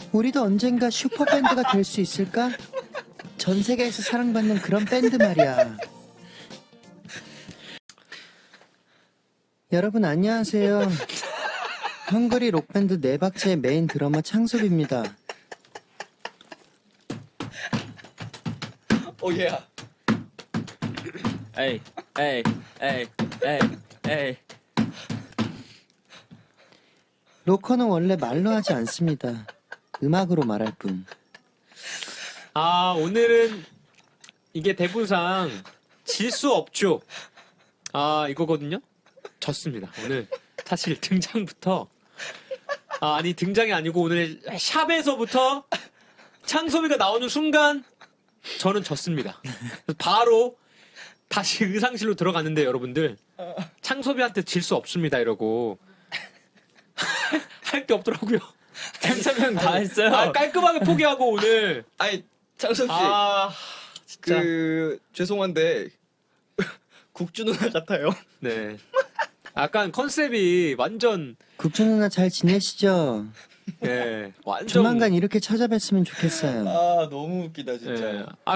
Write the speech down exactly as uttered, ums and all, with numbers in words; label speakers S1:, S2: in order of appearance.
S1: 우리도 언젠가 슈퍼밴드가 될 수 있을까? 전 세계에서 사랑받는 그런 밴드 말이야. 여러분 안녕하세요. 헝그리 록밴드 네 박자의 메인 드러머 창섭입니다.
S2: 오예야.
S3: 에이, 에이, 에이, 에이, 에이.
S1: 로커는 원래 말로 하지 않습니다. 음악으로 말할 뿐.
S4: 아, 오늘은 이게 대본상 질 수 없죠. 아, 이거거든요. 졌습니다. 오늘 사실 등장부터 아, 아니 등장이 아니고 오늘 샵에서부터 창섭이가 나오는 순간 저는 졌습니다. 그래서 바로 다시 의상실로 들어갔는데 여러분들 창섭이한테 질 수 없습니다 이러고 할 게 없더라고요.
S3: 창섭이 형 다 했어요.
S4: 아, 깔끔하게 포기하고 오늘
S2: 아니 창섭 씨,
S4: 아 진짜
S2: 그 죄송한데 국주 누나 같아요.
S4: 네. 약간 컨셉이 완전
S1: 국주 누나 잘 지내시죠?
S4: 예 완전
S1: 조만간 이렇게 찾아뵀으면 좋겠어요.
S2: 아 너무 웃기다 진짜.
S4: 예. 아